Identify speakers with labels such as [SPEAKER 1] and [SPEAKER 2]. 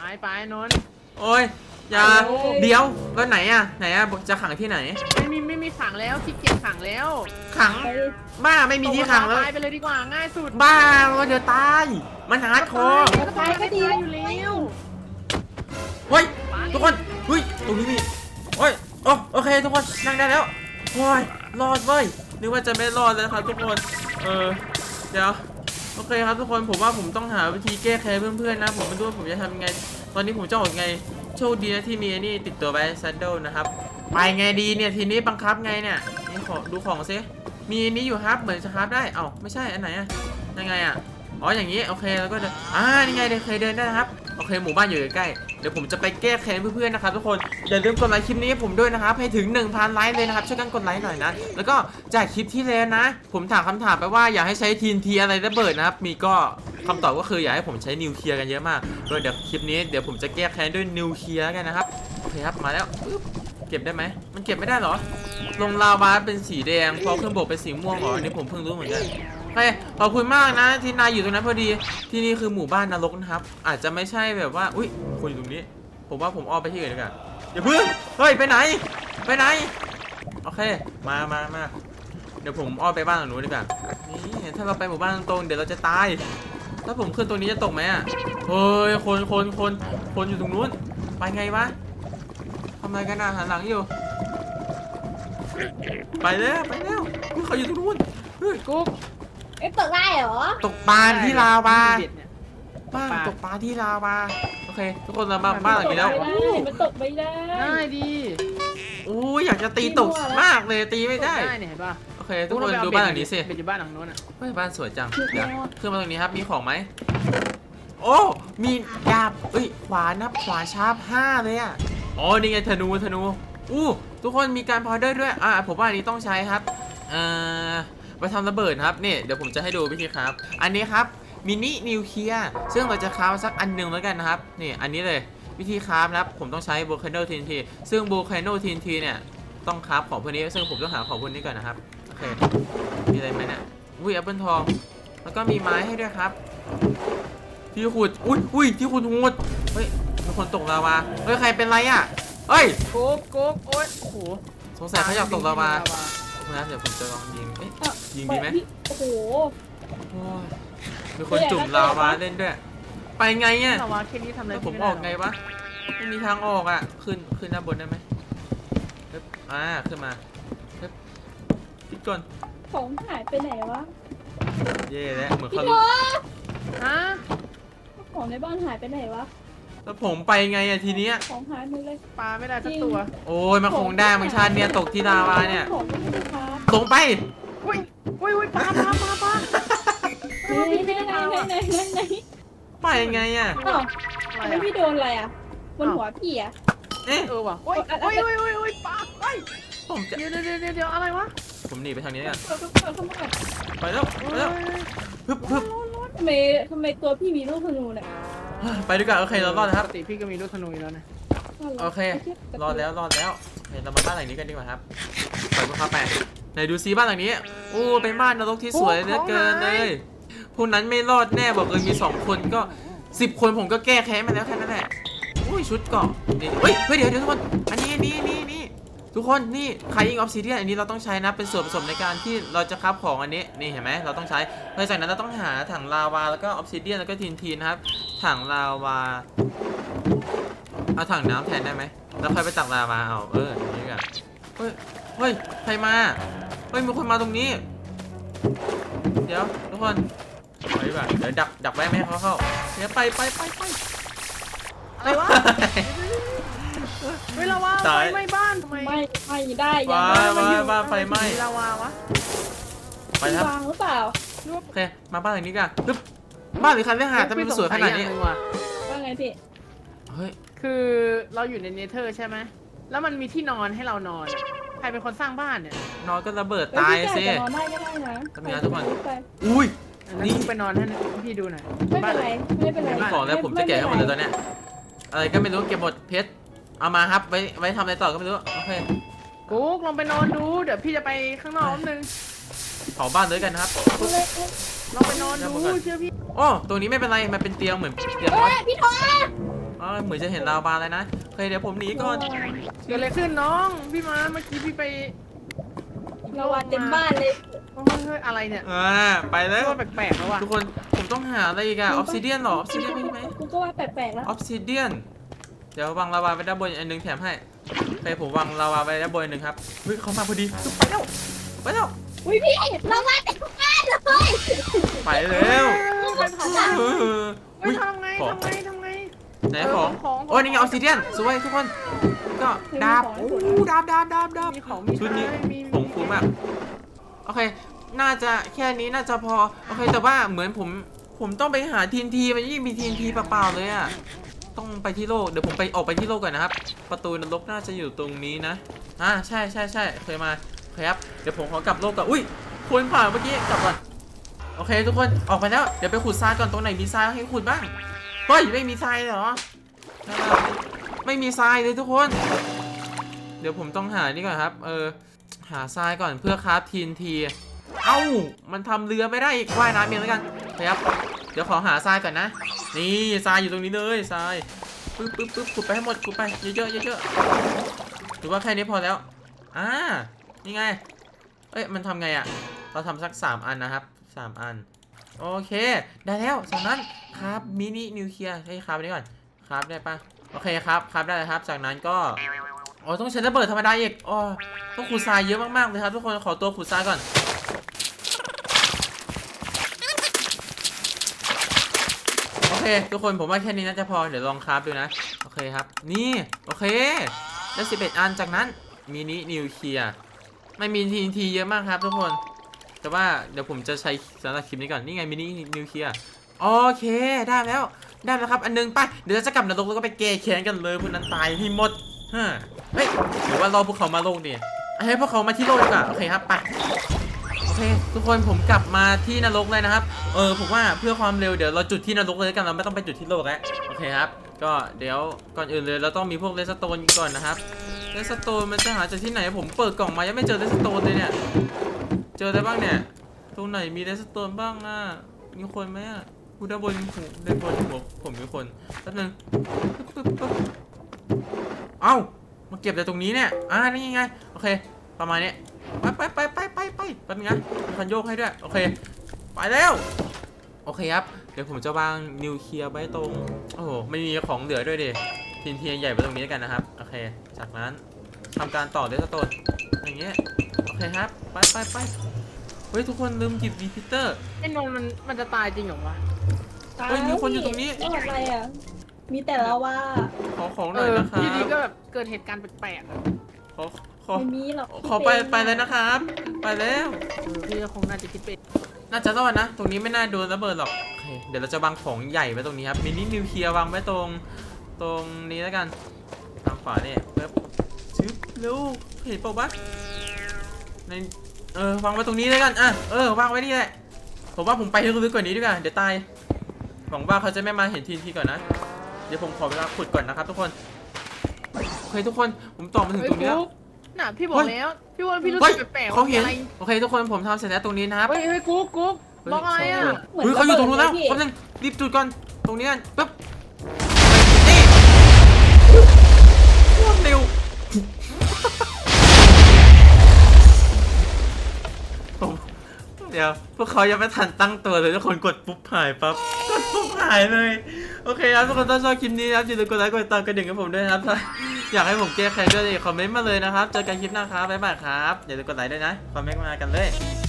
[SPEAKER 1] ไปนนท์
[SPEAKER 2] โอ้ยอย่าเดี๋ยวแล้วไหนอะจะขังที่ไหน
[SPEAKER 1] ไม่มีขังแล้วขี้เกียจขังแล้ว
[SPEAKER 2] ขังบ้าไม่มีที่ขังแล้ว
[SPEAKER 1] ตายไปเลยดีกว่าง่ายสุด
[SPEAKER 2] บ้าเดี๋ยวตายมันฮาร์ดคอร์
[SPEAKER 1] ตายก็ดีอยู่แล้ว
[SPEAKER 2] เฮ้ยทุกคนเฮ้ยตรงนี้มีโอ้ยโอเคทุกคนนั่งได้แล้วโอ้ยรอดเว้ยนึกว่าจะไม่รอดเลยครับทุกคนเดี๋ยวโอเคครับทุกคนผมว่าผมต้องหาวิธีแก้แค้นเพื่อนๆนะผมไม่รู้ว่าผมจะทำยังไงตอนนี้ผมจะออกไงโชคดีนะที่มีนี่ติดตัวไว้ซัดเดิลนะครับไปไงดีเนี่ยทีนี้บังคับไงเนี่ยนี่ขอดูของซิมีนี้อยู่ครับเหมือนจะครับได้เอ้าไม่ใช่อันไหนอะยังไงอะอ๋ออย่างนี้โอเคแล้วก็เดินนี่ไงเคยเดินได้นะครับโอเคหมู่บ้านอยู่ใกล้เดี๋ยวผมจะไปแก้แค้นเพื่อนๆนะครับทุกคนอย่าลืมกดไลค์คลิปนี้ให้ผมด้วยนะครับให้ถึง 1,000 ไลค์เลยนะครับช่วยกันกดไลค์หน่อยนะแล้วก็จากคลิปที่แล้วนะผมถามคำถามไปว่าอยากให้ใช้TNTอะไรระเบิดนะครับมีก็คำตอบก็คืออยากให้ผมใช้นิวเคลียร์กันเยอะมากโดยเดี๋ยวคลิปนี้เดี๋ยวผมจะแก้แค้นด้วยนิวเคลียร์กันนะครับโอเคครับมาแล้วเก็บได้ไหมมันเก็บไม่ได้เหรอลงลาวาเป็นสีแดงพอเครื่องบกเป็นสีม่วงเหรออันนี้ผมเพิ่งรู้เหมือนกันขอบคุณมากนะที่นายอยู่ตรงนั้นพอดีที่นี่คือหมู่บ้านนรกนะครับอาจจะไม่ใช่แบบว่าอุ้ยคุณอยู่ตรงนี้ผมว่าผมอ้อมไปที่อื่นดีกว่าอย่าเพิ่งเฮ้ยไปไหนโอเคมาเดี๋ยวผมอ้อมไปบ้านหลังนู้นดีกว่านี่ถ้าเราไปหมู่บ้านตรงๆเดี๋ยวเราจะตายถ้าผมขึ้นตรงนี้จะตกไหมอ่ะเฮ้ยคนอยู่ตรงนู้นไปไงวะทำอะไรกันหันหลังอยู่ไปแล้วเขาอยู่ตรงนู้นเฮ้ย
[SPEAKER 1] กุ๊ก
[SPEAKER 3] ตกได้เหรอ
[SPEAKER 2] ตกปลาที่ลาวาตกปลาที่ลาวาโอเคทุกคนเราบ้านหลังนี้แล้ว
[SPEAKER 3] มันตกไม่ได้
[SPEAKER 1] ง่ายดี
[SPEAKER 2] อยากจะตีตกมากเลยตีไม่ได้
[SPEAKER 1] เนี่ยเห็นป่ะ
[SPEAKER 2] โอเคทุกคนดูบ้านหลังนี้สิ
[SPEAKER 1] เป็นบ้านหลังโน้นอ่ะ
[SPEAKER 2] บ้านสวยจังเดี๋ยวขึ้นมาตรงนี้ครับมีของไหมโอ้มีดาบขวานนะขวานชาร์ป5เลยอ่ะอ๋อนี่ไงธนูทุกคนมีการพาวเดอร์ด้วยผมว่าอันนี้ต้องใช้ครับไปทำระเบิดครับนี่เดี๋ยวผมจะให้ดูวิธีครับอันนี้ครับมินินิวเคลียร์ซึ่งเราจะคราฟสักอันหนึ่งแล้วกันนะครับนี่อันนี้เลยวิธีคราฟนะครับผมต้องใช้โบคาโนทีนทีซึ่งโบคาโนทีนทีเนี่ยต้องคราฟของพวกนี้ซึ่งผมต้องหาของพวกนี้ก่อนนะครับโอเคมีอะไรไหมเนี่ยแอปเปิลทองแล้วก็มีไม้ให้ด้วยครับที่ขุดที่ขุดงูเฮ้ยมีคนตกลาวาใครเป็นไรอ่ะ
[SPEAKER 1] โอ๊ยโอ้โห
[SPEAKER 2] สงสัยเขาอยากตกลาวานะเดี๋ยวผมจะลองยิงยิงดีไหม
[SPEAKER 3] โอ้โห
[SPEAKER 2] มีคนจุ่มลาวาเล่นด้วยไปไงเนี่ย
[SPEAKER 1] ลาวาแค่นี้ทำอะไร
[SPEAKER 2] ผมออกไงวะไม่มีทางออกอ่ะขึ้นด้านบนได้ไหมขึ้นมาพิดก่อน
[SPEAKER 3] ของหายไปไหนวะ
[SPEAKER 2] เย่แล้วเหมือนเขา
[SPEAKER 3] ของในบ้านหายไปไหนวะ
[SPEAKER 2] แล้วผมไปไงทีเนี้ย
[SPEAKER 3] ของหายหมดเลย
[SPEAKER 1] ปลาไม่ได้สักตัว
[SPEAKER 2] โอ้ยมาคงได้มังชาเนี่ยตกที่ลาวาเนี่ยลงไป
[SPEAKER 1] อุ้ยปลา
[SPEAKER 3] ไหน
[SPEAKER 2] ไปยังไงอ่ะ
[SPEAKER 3] ทำไมพี่โดนอะไรอ่ะบนหัวพี่อ่ะ
[SPEAKER 1] ว่ะโอ้ยปลา
[SPEAKER 2] ผมจะ
[SPEAKER 1] เดี๋ยวอะไรวะ
[SPEAKER 2] ผมหนีไปทางนี้กันไปแล้วฮึบ
[SPEAKER 3] ทำไมตัวพี่มีลูกธนูเนี่ย
[SPEAKER 2] ไปดีกว่าโอเคเรารอดนะครับ
[SPEAKER 1] ปกติพี่ก็มีลูกธนูอยู่แล้วนะ
[SPEAKER 2] โอเครอดแล้วเรามาบ้านหลังนี้กันดีกว่าครับไปพวกเขาไปไหนดูซิบ้านหลังนี้เป็นบ้านนรกที่สวยเหลือเกินเลยพวกนั้นไม่รอดแน่บอกเลยมี2คนก็10 คนผมก็แก้แค้นมาแล้วแค่นั้นแหละชุดเกาะนี่เดี๋ยวทุกคนอันนี้ทุกคนนี่ไคอิงออฟซิเดียนอันนี้เราต้องใช้นะเป็นส่วนผสมในการที่เราจะคราฟของอันนี้นี่เห็นไหมเราต้องใช้หลังจากนั้นเราต้องหาถังลาวาแล้วก็ออฟซิเดียนแล้วก็ทีนนะครับถังลาวาเอาถังน้ำแทนได้ไหมแล้วค่อยไปตักลาวาเอาอย่างนี้กันเฮ้ยใครมามีคนมาตรงนี้เดี๋ยวทุกคนไปดีกว่าเดี๋ยวดักไว้ไม่ให้เขาเข้าเดี๋ยวไป
[SPEAKER 1] อะไรวะลาวาไฟไหม้บ้านทำไม
[SPEAKER 3] ไม่ได้
[SPEAKER 2] บ้านไฟไหม้
[SPEAKER 1] ลาวาวะ
[SPEAKER 2] ไปครับ
[SPEAKER 3] วางหรือเปล่า
[SPEAKER 2] โอเคมาบ้านหลังนี้กันบ้านหรือคันเรื่องหาทำไมมันสวยขนาดนี้
[SPEAKER 3] ว่าไงพี่
[SPEAKER 1] คือเราอยู่ในเนเธอร์ใช่ไหมแล้วมันมีที่นอนให้เรานอนใครเป็นคนสร้างบ้านเนี่ย
[SPEAKER 2] นอนก็ระเบิดตายสิ
[SPEAKER 3] นอนได้ก็ได้นะ
[SPEAKER 2] ทำไมทุกคน
[SPEAKER 1] นี่ไปนอนให้พี่ดูหน่อย
[SPEAKER 3] ไม่เป็นไร
[SPEAKER 2] ของแล้วผมจะแกะให้หมดเลยตอนเนี้ยอะไรก็ไม่รู้เก็บหมดเพชรเอามาครับไว้ทำอะไรต่อก็ไม่รู้โอเค
[SPEAKER 1] กุ๊กลองไปนอนดูเดี๋ยวพี่จะไปข้างนอกนึง
[SPEAKER 2] เผาบ้านเลยกันนะครับ
[SPEAKER 1] ลองไปนอนดูเชื่อพี่
[SPEAKER 2] ตรงนี้ไม่เป็นไรมันเป็นเตียงเหมือนเตียง
[SPEAKER 3] พี่ทอ
[SPEAKER 2] เหมือนจะเห็นลาวาเลยนะโอเคเดี๋ยวผมหนีก่อน
[SPEAKER 1] เกิดอะไรขึ้นน้องพี่มาเมื่อกี้พี่ไป
[SPEAKER 3] เราวาเต็มบ้านเลย
[SPEAKER 1] เฮ้ยอะไรเนี่ย
[SPEAKER 2] ไปแล้ว
[SPEAKER 1] ว่าแปลกๆแล้วว่ะ
[SPEAKER 2] ทุกคนผมต้องหาอะไรอีกอะออฟซิเดียนหรอออฟซิเดียนมีไหม
[SPEAKER 3] กูก็ว่าแปลกๆแล้ว
[SPEAKER 2] ออฟซิเดียนเดี๋ยววางลาวาไว้ด้านบนอันหนึงแถมให้โอเคผมวางลาวาไว้ด้านบนอันหนึงครับเฮ้ยเขามาพอดีไปแล้ว
[SPEAKER 3] อุ้ยพี่เราวาเต็มบ้านเลย
[SPEAKER 2] ไปแล้ว
[SPEAKER 3] มันผ่านได้
[SPEAKER 2] เออ
[SPEAKER 1] เฮ้ยทำไง
[SPEAKER 2] ของ
[SPEAKER 1] ทำไง
[SPEAKER 2] ไหนของ
[SPEAKER 1] ของ
[SPEAKER 2] โอ้ยนี่ไงออฟซิเดียนสวยทุกคนก็ดาบโอ้ดาบ
[SPEAKER 1] มีของมี
[SPEAKER 2] ชุดนี้
[SPEAKER 1] มี
[SPEAKER 2] ผงฟูมากโอเค น่าจะแค่นี้น่าจะพอโอเคแต่ว่าเหมือนผมต้องไปหาทีนทีมันยิ่งมีทีนทีเปล่าๆเลยอะต้องไปที่โลกเดี๋ยวผมไปออกไปที่โลกก่อนนะครับ ประตูนรกน่าจะอยู่ตรงนี้นะใช่เคยมาครับเดี๋ยวผมขอกลับโลกก่อนอุ้ยคนผ่านเมื่อกี้กลับก่อนโอเคทุกคนออกไปแล้วเดี๋ยวไปขุดทรายก่อนตรงไหนมีทรายให้ขุดบ้างเฮ้ยไม่มีทรายเหรอไม่มีทรายเลยทุกคน เดี๋ยวผมต้องหานี่ก่อนครับหาทรายก่อนเพื่อคราฟทีนทีเอ้ามันทำเรือไม่ได้อีกว่ายน้ำเองแล้วกันครับเดี๋ยวขอหาทรายก่อนนะนี่ทรายอยู่ตรงนี้เลยทรายปึ๊บขุดไปให้หมดขุดไปเยอะหรือว่าแค่นี้พอแล้วนี่ไงมันทำไงอะเราทำสัก3อันนะครับ3อันโอเคได้แล้วจากนั้นครับมินินิวเคลียร์ให้ครับอันนี้ก่อนครับได้ปะโอเคครับได้เลยครับจากนั้นก็ต้องใช้ระเบิดธรรมดาอีกต้องขุดทรายเยอะมากๆเลยครับทุกคนขอตัวขุดทรายก่อนโอเคทุกคนผมว่าแค่นี้น่าจะพอเดี๋ยวลองคราฟดูนะโอเคครับนี่โอเคได้11อันจากนั้นมินินิวเคลียร์ไม่มีทีเยอะมากครับทุกคนแต่ว่าเดี๋ยวผมจะใช้สำหรับคลิปนี้ก่อนนี่ไงมินินิวเคลียร์โอเคได้แล้วครับอันนึงไปเดี๋ยวจะกลับนรกแล้วก็ไปแก้แค้นกันเลยพวกนั้นตายให้หมดเฮ้ยหรือว่ารอพวกเขามาโลกดิให้พวกเขามาที่โลกดีกว่าโอเคครับไปโอเคทุกคนผมกลับมาที่นรกเลยนะครับผมว่าเพื่อความเร็วเดี๋ยวเราจุดที่นรกเลยกันเราไม่ต้องไปจุดที่โลกแล้วโอเคครับก็เดี๋ยวก่อนอื่นเลยเราต้องมีพวกเรสโตนก่อนนะครับเรสโตนมันจะหาจากที่ไหนผมเปิดกล่องมายังไม่เจอเรสโตนเลยเนี่ยเจออะไรบ้างเนี่ยตรงไหนมีเรสโตนบ้างมีคนไหมกูด้านบนหัวผมมีคนแป๊บนึงเอ้ามาเก็บแต่ตรงนี้เนี่ยนี่ยังไงโอเคประมาณนี้ไปแป๊บนึงนะมีคันโยกให้ด้วยโอเคไปแล้วโอเคครับเดี๋ยวผมจะวางนิวเคลียร์ไว้ตรงโอ้โหไม่มีของเหลือด้วยดิทีนทีใหญ่ไปตรงนี้กันนะครับโอเคจากนั้นทำการต่อเดสโตนอย่างเงี้ยโอเคครับไปเฮ้ยทุกคนลืมหยิบรีพิเตอร์
[SPEAKER 1] ไอ้นนท์มันจะตายจริงเหรอวะ
[SPEAKER 2] มีคนอยู่ตรงนี้
[SPEAKER 3] รอดอะไรอ่ะมีแต่เราว่า
[SPEAKER 2] ขอของหน่อยนะครับ
[SPEAKER 1] อยู่ดีก็แบบเกิดเหตุการณ์แปลกๆ
[SPEAKER 2] ขอ
[SPEAKER 3] ไม่มีหรอก
[SPEAKER 2] ขอไปเลยนะครับไปแล้ว
[SPEAKER 1] พี่ก็คงน่าจะคิดไป
[SPEAKER 2] น่าจะรอดนะตรงนี้ไม่น่าโดนระเบิดหรอกโอเคเดี๋ยวเราจะวางของใหญ่ไว้ตรงนี้ครับมินินิวเคลียร์วางไว้ตรงนี้แล้วกันทางขวาเนี่ยเพิ่มชึบเร็วเห็นปะวะในวางไว้ตรงนี้แล้วกันวางไว้นี่แหละผมว่าผมไปลึกๆกว่านี้ดีกว่าเดี๋ยวตายหวังว่าเขาจะไม่มาเห็นทีก่อนนะเดี๋ยวผมขอเวลาขุดก่อนนะครับทุกคนโอเคทุกคนผมต่อมาถึงตรงนี้แล้ว
[SPEAKER 1] น่ะพี่บอกแล้วพี่ว่าพี่รู้สึกแปลกๆ
[SPEAKER 2] เขาเห็น
[SPEAKER 1] อะไร
[SPEAKER 2] โอเคทุกคนผมทำเสร็จแล้วตรงนี้นะครับ
[SPEAKER 1] เฮ้ยกุ๊กบล็อกอะไรอ่ะ
[SPEAKER 3] เหมือน
[SPEAKER 2] เขาอยู่ตรงนู้นแล้ว
[SPEAKER 3] พี่
[SPEAKER 2] แป๊บนึงรีบจุดก่อนตรงนี้กันปึ๊บนี่โคตรเร็วเดี๋ยวพวกเขายังไม่ทันตั้งตัวเลยทุกคนกดปุ๊บหายปั๊บกดปุ๊บหายเลยโอเคครับทุกคนถ้าชอบคลิปนี้นะครับอย่าลืมกดไลค์กดติดตามกระดิ่งให้ผมด้วยนะครับถ้าอยากให้ผมแก้ไขด้วยคอมเมนต์มาเลยนะครับเจอกันคลิปหน้าครับบ๊ายบายครับอย่าลืมกดไลค์ด้วยนะคอมเมนต์มากันเลย